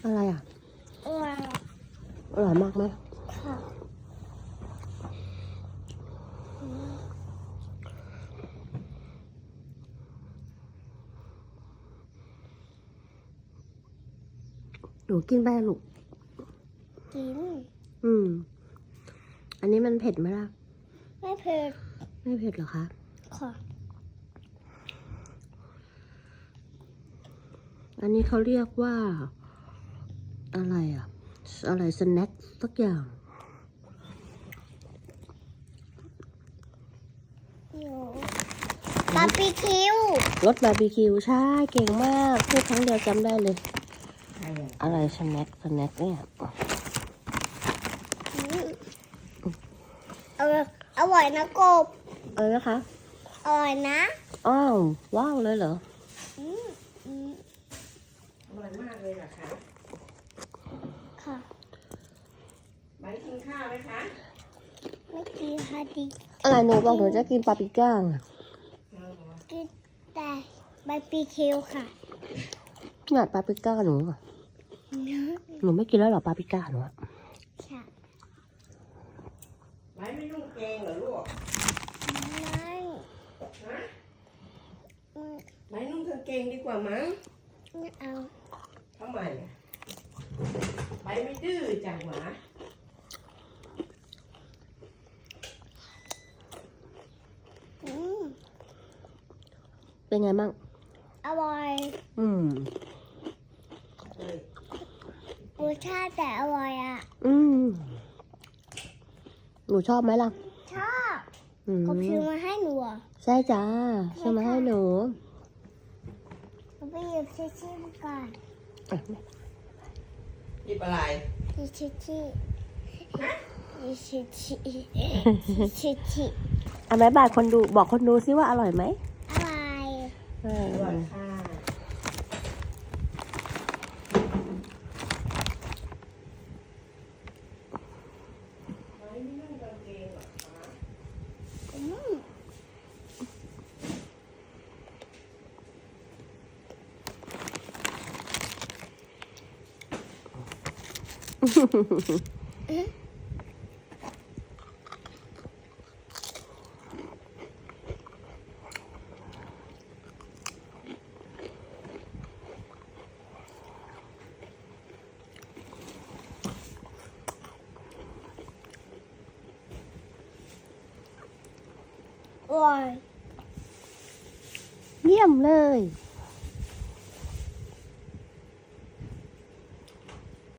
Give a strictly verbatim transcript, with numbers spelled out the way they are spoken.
อะไรอ่ะอร่อยอร่อยมากไหมค่ะหนูกินไปลูกกินอืมอันนี้มันเผ็ดไหมล่ะไม่เผ็ดไม่เผ็ดเหรอคะค่ะอันนี้เขาเรียกว่าอะไรอ่ะอะไรสแน็คสักอย่างบาร์บีคิวรสบาร์บีคิวใช่เก่งมากพูดครั้งเดียวจำได้เลยอะไรสแน็คสแน็คเนี่ยอร่อยอร่อยนะกบเออนะคะอร่อยนะอ้าวว้าวเลยเหรออืมอืมอร่อยมากเลยเหรอคะค่ะไว้กินข้าวไหมคะไม่กินฮาดิอะไรหนูบอกหนูจะกินปาปริก้ากินแต่บาร์บีคิวค่ะเนี่ยปาปริก้าหนูอะหนูไม่กินแล้วเหรอปาปริก้าหนูอะค่ะไว้ไม่นุ่งเกงเหรอลูกไม่ฮะไว้นุ่งกางเกงดีกว่ามั้งไม่เอาทำไมอะไว้ไม่ดื้อจังหวะอืมเป็นไงบ้างอร่อยอืมรสชาติแต่อร่อยอ่ะอืมหนูชอบไหมล่ะชอบอืมก็ซื้อมาให้หนูอ่ะใช่จ้าซื้อมาให้หนูหนูไปหยิบชิชชี่ก่อนหยิบอะไรหยิบชิชชี่หยิบชิชชี่ชิชชี่อ่ะบ๊ายบายคนดูบอกคนดูซิว่าอร่อยไหมอร่อยเอออร่อยค่ะไว้ไม่นุ่งกางเกงเหรอคะอืมอร่อยเยี่ยมเลย